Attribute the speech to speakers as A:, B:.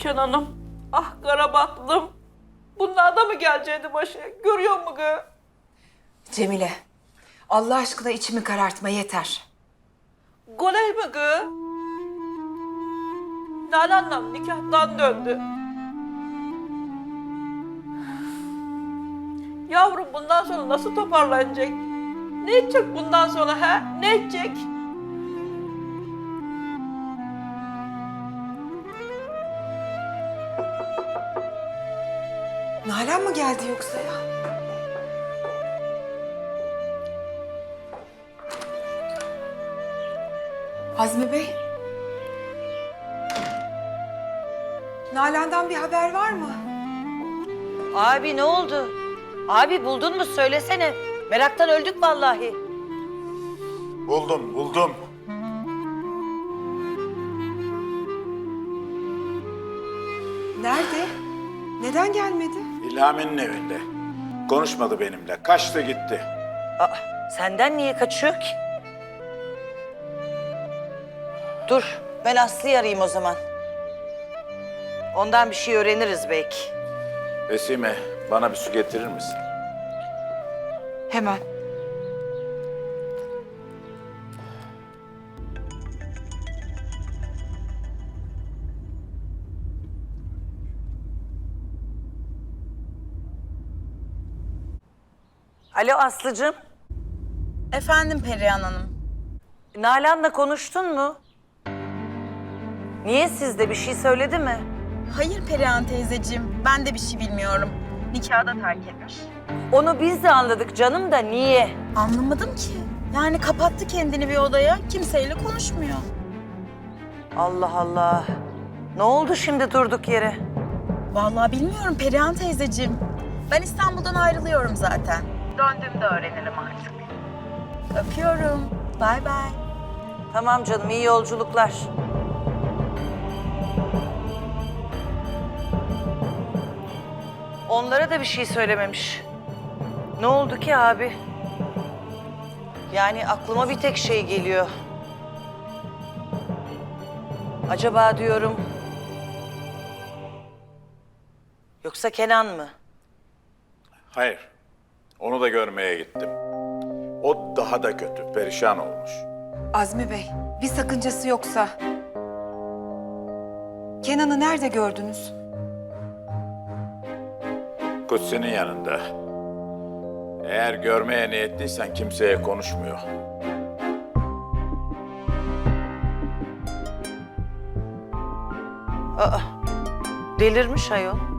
A: Kenan'ım, ah Karabatlım. Bunlar da mı gelecekti başı? Görüyor musun kız?
B: Cemile, Allah aşkına içimi karartma yeter.
A: Goley mi kız? Nalan'la nikahtan döndü. Yavrum bundan sonra nasıl toparlanacak? Ne edecek bundan sonra ha? Ne edecek?
B: Nalan mı geldi yoksa ya? Azmi Bey. Nalan'dan bir haber var mı?
C: Abi ne oldu? Abi buldun mu söylesene. Meraktan öldük vallahi.
D: Buldum.
B: Nerede? Neden gelmedi?
D: İlhami'nin evinde. Konuşmadı benimle. Kaçtı gitti.
C: Aa, senden niye kaçıyor ki? Dur ben Aslı'yı arayayım o zaman. Ondan bir şey öğreniriz belki.
D: Vesime, bana bir su getirir misin?
B: Hemen.
C: Alo Aslı'cığım.
E: Efendim Perihan Hanım.
C: Nalan'la konuştun mu? Niye sizde bir şey söyledi mi?
E: Hayır Perihan teyzeciğim, ben de bir şey bilmiyorum. Nikahı da terk etmiş.
C: Onu biz de anladık canım da niye?
E: Anlamadım ki. Yani kapattı kendini bir odaya, kimseyle konuşmuyor.
C: Allah Allah. Ne oldu şimdi durduk yere?
E: Vallahi bilmiyorum Perihan teyzeciğim. Ben İstanbul'dan ayrılıyorum zaten. Döndüğümde öğrenirim artık. Öpüyorum. Bay bay.
C: Tamam canım iyi yolculuklar. Onlara da bir şey söylememiş. Ne oldu ki abi? Yani aklıma bir tek şey geliyor. Acaba diyorum... Yoksa Kenan mı?
D: Hayır. Onu da görmeye gittim. O daha da kötü. Perişan olmuş.
B: Azmi Bey, bir sakıncası yoksa... Kenan'ı nerede gördünüz?
D: Kutsi'nin yanında. Eğer görmeye niyetliysen kimseye konuşmuyor.
C: Aa, delirmiş ayol.